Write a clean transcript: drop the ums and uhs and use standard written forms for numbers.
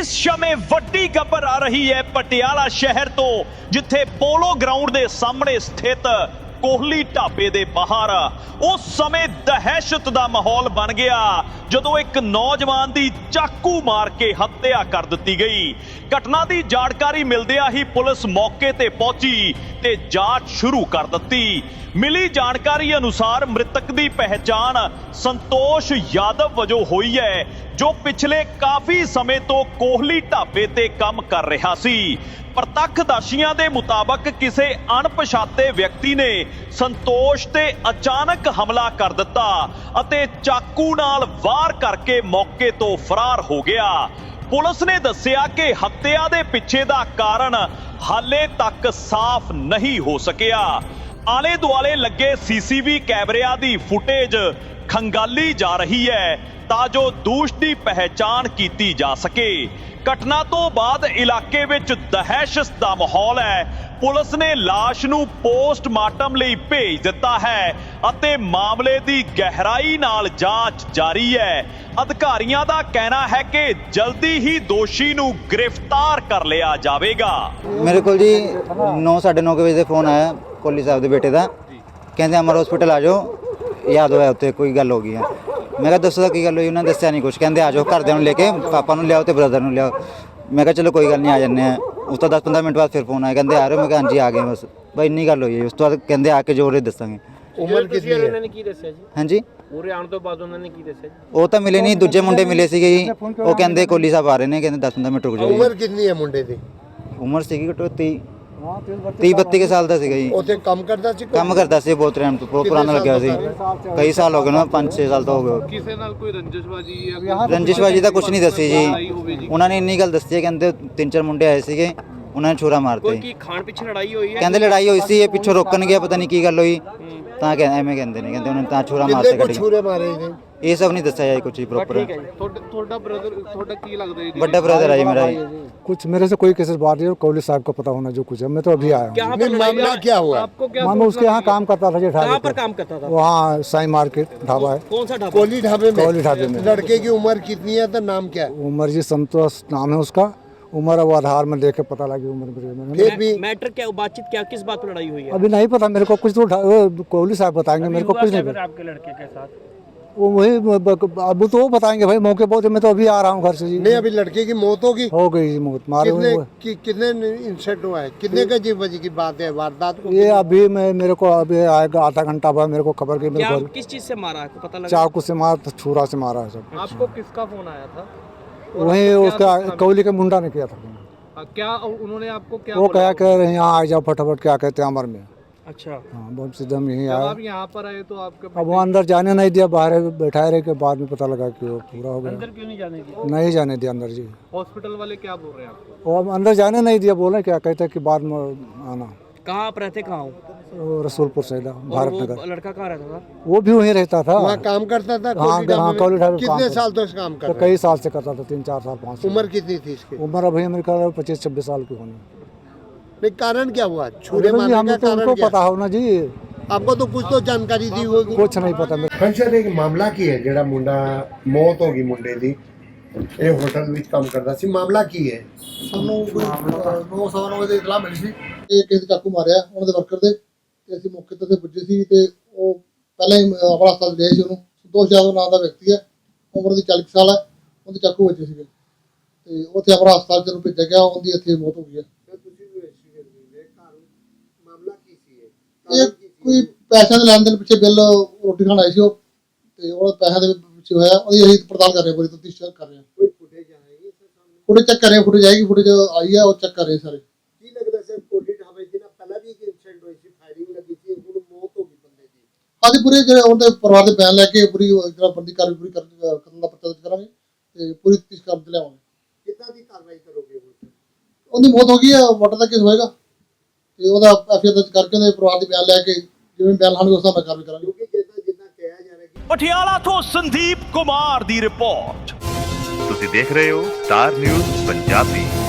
इस समय वड्डी खबर आ रही है पटियाला शहर तो, जिथे पोलो ग्राउंड के सामने स्थित कोहली ढाबे के बाहर उस समय दहशत का माहौल बन गया जदों एक नौजवान की चाकू मार के हत्या कर दी गई। घटना की जानकारी मिलदिया ही पुलिस मौके ते पहुंची ते जांच शुरू कर दी। मिली जानकारी अनुसार मृतक की पहचान संतोष यादव वजों हुई है, जो पिछले काफी समय तो कोहली ढाबे ते काम कर रहा सी। प्रत्यक्षदर्शियों के मुताबक किसी अणपछाते व्यक्ति ने संतोष ते अचानक हमला कर दिता अते चाकू नाल वार करके मौके तो फरार हो गया। पुलिस ने दस्सिया कि हत्या दे पिछे दा कारण हाले तक साफ नहीं हो सकिया। आले दुआले लगे सीसीवी कैमरिया दी फुटेज खंगाली जा रही है तां जो दोष की पहचान की जा सके। घटना तो बाद इलाके विच दहशत दा माहौल है। पुलिस ने लाश नूं पोस्टमार्टम लई भेज दिता है अते मामले दी गहराई नाल जांच जारी है। अधिकारियों का कहना है कि जल्दी ही दोषी नूं गिरफ्तार कर लिया जाएगा। मेरे को जी 9:30 बजे फोन आया कोहली साहब के बेटे का, कहते अमर हॉस्पिटल आ जाओ, याद होया उत्ते कोई गल हो गई है। मैं कहा दसो की गल हुई, उन्होंने दसिया नहीं कुछ, कहते आ जाओ घरदिਆਂ ਨੂੰ लेके पापा ਨੂੰ लियाओ तो ब्रदर ਨੂੰ लियाओ। मैं कहा चलो कोई गल नहीं आ जाने हैं। उस तो 10-15 मिनट बाद फिर फोन आया, कहते आ रहे हो। मैं कहा हाँ जी आ गए बस भाई इन्नी गल हुई है। उस तो बाद कहते आके जो रे दसांगे। ਉਮਰ ਕਿੰਨੀ ਹੈ ਉਹਨਾਂ ਨੇ ਕੀ ਦੱਸਿਆ ਜੀ? हाँ जी ਪੂਰੇ ਆਉਣ ਤੋਂ ਬਾਅਦ ਉਹਨਾਂ ਨੇ ਕੀ ਦੱਸਿਆ ਜੀ? ਉਹ ਤਾਂ ਮਿਲੇ ਨਹੀਂ, ਦੂਜੇ ਮੁੰਡੇ ਮਿਲੇ ਸੀਗੇ ਜੀ। ਉਹ ਕਹਿੰਦੇ ਕੋਹਲੀ ਸਾਹਿਬ ਆ ਰਹੇ ਨੇ, ਕਹਿੰਦੇ 10-15 ਮਿੰਟ ਰੁਕ ਜਾਓ। ਉਮਰ ਕਿੰਨੀ ਹੈ ਮੁੰਡੇ ਦੀ? ਉਮਰ ਸੀਗੀ ਘੱਟੋ 30-32 ਕੇ ਸਾਲ ਦਾ ਸੀਗਾ ਜੀ। ਉੱਥੇ ਕੰਮ ਕਰਦਾ ਸੀ? ਕੰਮ ਕਰਦਾ ਸੀ, ਬਹੁਤ ਟਾਈਮ ਤੋਂ ਪੁਰਾਣਾ ਲੱਗਿਆ ਸੀ। ਕਈ ਸਾਲ ਹੋ ਗਏ ਨਾ, 5-6 ਸਾਲ ਤੋਂ ਹੋ ਗਏ। ਕਿਸੇ ਨਾਲ ਕੋਈ ਰੰਜਿਸ਼ਬਾਜੀ ਜਾਂ ਰੰਜਿਸ਼ਬਾਜੀ ਤਾਂ ਕੁਝ ਨਹੀਂ ਦੱਸੀ ਜੀ। ਉਹਨਾਂ ਨੇ ਇੰਨੀ ਗੱਲ ਦੱਸੀ ਹੈ, ਕਹਿੰਦੇ 3-4 ਮੁੰਡੇ ਆਏ ਸੀਗੇ, ਉਹਨਾਂ ਨੇ ਛੁਰਾ ਮਾਰਤੇ। ਕੀ ਖਾਣ ਪਿੱਛੇ ਲੜਾਈ ਹੋਈ ਹੈ? ਕਹਿੰਦੇ ਲੜਾਈ ਹੋਈ ਸੀ, ਇਹ ਪਿੱਛੋਂ ਰੋਕਣ ਗਿਆ, ਪਤਾ ਨਹੀਂ ਕੀ ਗੱਲ ਹੋਈ ਤਾਂ ਐਵੇਂ ਕਹਿੰਦੇ ਨੇ, ਕਹਿੰਦੇ ਉਹਨਾਂ ਨੇ ਤਾਂ ਛੁਰਾ ਮਾਰਤੇ ਕਿੰਨੇ ਛੁਰੇ ਮਾਰੇ ਨੇ? ਇਹ ਸਭ ਨਹੀਂ ਦੱਸਿਆ ਜੀ ਕੁਝ ਪ੍ਰੋਪਰ। ਠੀਕ ਹੈ ਜੀ। ਤੁਹਾਡਾ ਬ੍ਰਦਰ, ਤੁਹਾਡਾ ਕੀ ਲੱਗਦਾ ਜੀ? ਵੱਡਾ ਬ੍ਰਦਰ ਹੈ ਜੀ ਮੇਰਾ ਜੀ। कुछ मेरे से कोई केसेस बात नहीं, और कोहली साहब को पता होना जो कुछ है। मैं तो अभी आया हूँ। नहीं, मामला क्या हुआ? आपको क्या? मैं उसके यहाँ काम करता था जी, कहाँ पर काम करता था? वहाँ साई मार्केट ढाबा है, कौन सा ढाबा? कोहली ढाबे में? कोहली ढाबे में। लड़के की उम्र कितनी है तो नाम क्या है? उमर जी संतोष नाम है उसका। उम्र अब आधार में देख के पता लगी उम्र मेरे। फिर भी मैटर क्या, बातचीत क्या, किस बात पर लड़ाई हुई है? अभी नहीं पता मेरे को कुछ, तो कोहली साहब बताएंगे, मेरे को कुछ नहीं पता। आपके लड़के के साथ वो वही अब तो वो बताएंगे भाई मौके पर। मैं तो अभी आ रहा हूँ घर से जी। नहीं, अभी लड़के की मौत होगी? हो गई जी मौत, मारे हुए। कितने इंसिडेंट हुआ है? कितने का जी बजे की बात है वारदात को? ये अभी मैं मेरे को अभी आएगा आधा घंटा बाद मेरे को खबर की। क्या, मेरे को किस चीज से मारा है, पता लगा? चाकू से मार, छुरा से मारा है सब। आपको किसका फोन आया था? वही उसका कोहली के मुंडा ने किया था। क्या उन्होंने आपको क्या वो बोला? क्या कह रहे हैं यहाँ आ जाओ फटाफट, क्या कहते हैं अमर में। अच्छा, हाँ बहुत सीधा हम यहीं जब आए। आप यहाँ पर आए तो आपके अब वो अंदर जाने नहीं दिया, बाहर बैठाए रहे, के बाद में पता लगा कि वो पूरा हो गया। अंदर क्यों नहीं जाने दिया? नहीं जाने दिया अंदर जी। हॉस्पिटल वाले क्या बोल रहे हैं आपको? वो अब अंदर जाने नहीं दिया, बोले क्या कहते हैं कि बाद में आना। कहाँ आप रहते, कहाँ हो? वो रसूलपुर सैदा भारत वो नगर। लड़का कहाँ रहता था? वो भी वहीं रहता था। वहाँ काम करता था? हाँ, कोहली ढाबे हाँ, में? कोहली ढाबे में काम कितने करता साल तक काम कर तो रहा है? कई साल से करता था, 3-4 साल 5 साल। उम्र कितनी थी इसकी? उम्र अभी मेरे ख्याल 25-26 साल की होनी। नहीं, कारण क्या हुआ? छुरे अभी मारने का हमें तो कारण उनको क्या? पता होना जी, आपको तो कुछ तो जानकारी दी होगी। कुछ नहीं पता मेरे। ਕੰਸ਼ਰ ਇੱਕ ਮਾਮਲਾ ਕੀ ਹੈ ਜਿਹੜਾ ਮੁੰਡਾ ਮੌਤ ਹੋ ਗਈ ਮੁੰਡੇ ਦੀ? ਇਹ ਹੋਟਲ ਵਿੱਚ ਕੰਮ ਕਰਦਾ ਸੀ। ਮਾਮਲਾ ਕੀ ਹੈ? ਸਾਨੂੰ 9:09 ਵਜੇ ਇਤਲਾਹ ਮਿਲੀ ਸੀ ਕਿ ਕਿਸੇ ਨੇ ਚਾਕੂ ਮਾਰਿਆ ਉਹਨਾਂ ਦੇ ਵਰਕਰ ਦੇ, ਤੇ ਅਸੀਂ ਮੌਕੇ ਤੇ ਪੁੱਜੇ ਸੀ ਤੇ ਉਹ ਪਹਿਲਾਂ ਹੀ ਆਪਣਾ ਹਸਪਤਾਲ ਗਏ ਸੀ। ਉਹਨੂੰ ਸੰਤੋਸ਼ ਯਾਦਵ ਨਾਮ ਦਾ ਵਿਅਕਤੀ ਹੈ, ਉਮਰ ਦੀ 40 ਸਾਲ ਹੈ, ਉਹਦੇ ਚਾਕੂ ਵੱਜੇ ਸੀਗੇ ਤੇ ਉੱਥੇ ਆਪਣਾ ਹਸਪਤਾਲ ਚ ਉਹਨੂੰ ਭੇਜਿਆ ਗਿਆ, ਉਹਦੀ ਇੱਥੇ ਮੌਤ ਹੋ ਗਈ ਹੈ। ਮਾਮਲਾ ਕੀ ਸੀ ਇਹ ਕੋਈ ਪੈਸਿਆਂ ਦੇ ਲੈਣ ਦੇਣ ਪਿੱਛੇ ਬਿੱਲ ਰੋਟੀ ਖਾਣ ਆਈ ਸੀ ਉਹ, ਤੇ ਉਹ ਪੈਸਿਆਂ ਦੇ ਪਿੱਛੇ ਹੋਇਆ। ਉਹਦੀ ਅਸੀਂ ਪੜਤਾਲ ਕਰ ਰਹੇ ਹਾਂ, ਪੂਰੀ ਤਫਤੀਸ਼ ਕਰ ਰਹੇ ਹਾਂ। ਕੋਈ ਫੁਟੇਜ ਆਏਗੀ ਫੁਟੇਜ ਚੈੱਕ ਕਰ ਰਹੇ ਹਾਂ, ਫੁਟੇਜ ਆਏਗੀ, ਫੁਟੇਜ ਆਈ ਹੈ, ਉਹ ਚੈੱਕ ਕਰ ਰਹੇ ਸਾਰੇ। ਕੀ ਲੱਗਦਾ ਸਰ ਕੋਹਲੀ ਢਾਬੇ ਜਿਹਨਾਂ ਪਹਿਲਾਂ ਵੀ ਇੱਕ ਇਨਸੀਡੈਂਟ ਹੋਈ ਸੀ, ਫਾਇਰਿੰਗ ਲੱਗੀ ਸੀ, ਹੁਣ ਮੌਤ ਹੋ ਗਈ ਬੰਦੇ ਦੀ? ਹਾਂਜੀ, ਪੂਰੇ ਜਿਹੜੇ ਉਹਦੇ ਪਰਿਵਾਰ ਦੇ ਬਿਆਨ ਲੈ ਕੇ ਪੂਰੀ ਜਿਹੜਾ ਬੰਦੀ ਕਾਰਵਾਈ ਪੂਰੀ ਕਰਨ ਦਾ ਪੱਤਾ ਕਰਾਂਗੇ ਤੇ ਪੂਰੀ ਤਫਤੀਸ਼ ਕਰਨ ਤੇ ਲਿਆਵਾਂਗੇ। ਕਿੱਦਾਂ ਦੀ ਕਾਰਵਾਈ ਕਰੋਗੇ ਹੁਣ? ਉਹਦੀ ਮੌਤ ਹੋ ਗਈ ਹੈ, ਵਾਟਰ ਦਾ ਕੇਸ ਹੋਏਗਾ ਤੇ ਉਹਦਾ ਐਫਆਈਆਰ ਦਰਜ ਕਰਕੇ ਉਹਦੇ ਪਰਿਵਾਰ ਦੇ ਬਿਆਨ ਲੈ ਕੇ ਜਿਵੇਂ ਬਿਆਨ ਲਾਣਗੇ ਉਸ ਹਿਸਾਬ ਨਾਲ ਕਾਰਵਾਈ ਕਰਾਂਗੇ। ਕਿਉਂਕਿ ਜਿੱਦਾਂ ਕਿਹਾ ਜਾ ਰਿਹਾ ਕਿ ਪਟਿਆਲਾ ਤੋਂ ਸੰਦੀਪ ਕੁਮਾਰ ਦੀ ਰਿਪੋਰਟ। ਤੁਸੀਂ ਦੇਖ ਰਹੇ ਹੋ ਸਟਾਰ ਨਿਊਜ਼ ਪੰਜਾਬੀ।